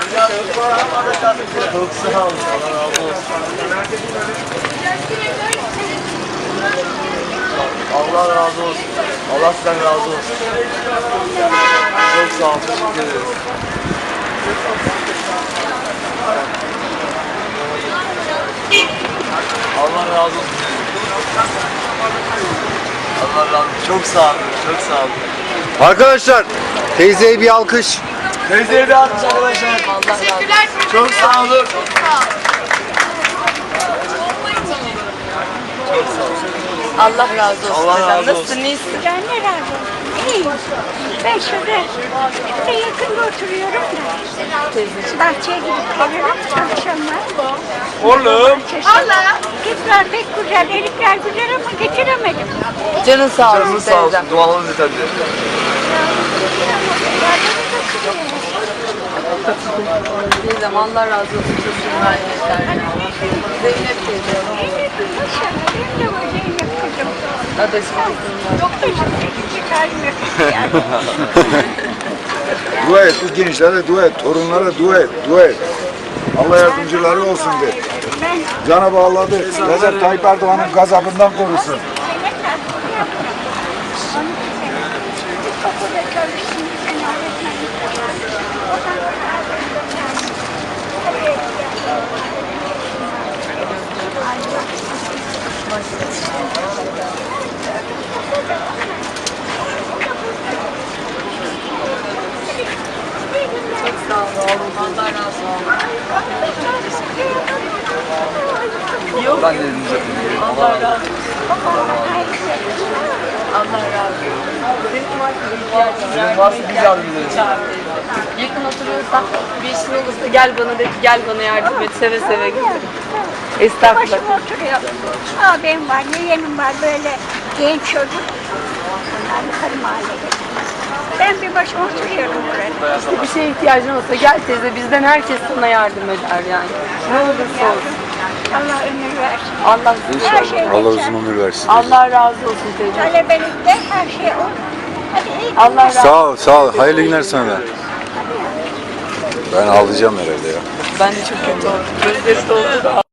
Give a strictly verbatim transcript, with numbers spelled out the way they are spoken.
Çok sağ olun. Allah razı olsun. Allah razı olsun. Allah sizden razı olsun. Çok sağ olun. Teşekkür ederiz. Allah razı olsun. Allah razı olsun. Çok sağ olun. Çok sağ olun. Arkadaşlar teyzeye bir alkış. Teyzeye de atmış arkadaşlar. Teşekkürler. Çok sağ olun. Çok sağ ol. Allah razı olsun. Allah razı olsun. Nasılsın, iyisin? Ben ne razı olsun. İyiyim. Ben şurada işte yakında oturuyorum da. Teyzeciğim. Bahçeye gidip geliyorum akşamlar. Oğlum. Allah. Kızlar pek güzel, erikler güzel ama getiremedim. Canın sağ olsun Canınız sağ olsun. teyzem. Dualarınız yeterli. Teyzem Allah razı olsun. Çok güzel. Zeynep teyze. İnşallah benim de var Zeynep kızım. Adaşım kızım var. Çok da çıkarmıyor. Dua et, bu gençlere dua et, torunlara dua et, dua et. Allah yardımcıları olsun de. Ben Cenab-ı Allah de Recep Tayyip Erdoğan'ın gazabından korusun. kapıda çalıştım. Ben öğretmenlik yapıyorum. Çok sağ ol oğlum. Allah razı olsun. Yok. Ben de elinize öpeyim. Allah razı olsun. Allah razı olsun. Senin var mı ihtiyacın? Sizin varsa biz yardım ederiz. Yakın oturuyorsan bir işin olursa gel bana de ki gel bana yardım et. Seve seve gelirim. Estağfurullah. Başıma oturuyor. Abim var, yeğenim var böyle genç çocuk. Onlar yukarı mahallede. Ben bir başıma oturuyorum burada. İşte bir şeye ihtiyacın olsa gel teyze, bizden herkes sana yardım eder yani. Ne olursa olsun. Allah ömür versin. Allah Her şey Allah geçer. uzun ömür versin. Allah razı olsun teyze. Talebelikte her şey olur. Hadi iyi Allah razı olsun. Sağ ol, sağ ol. Hayırlı günler sana. Ben ağlayacağım herhalde ya. Ben de çok kötü oldum. Gözleri doldu da.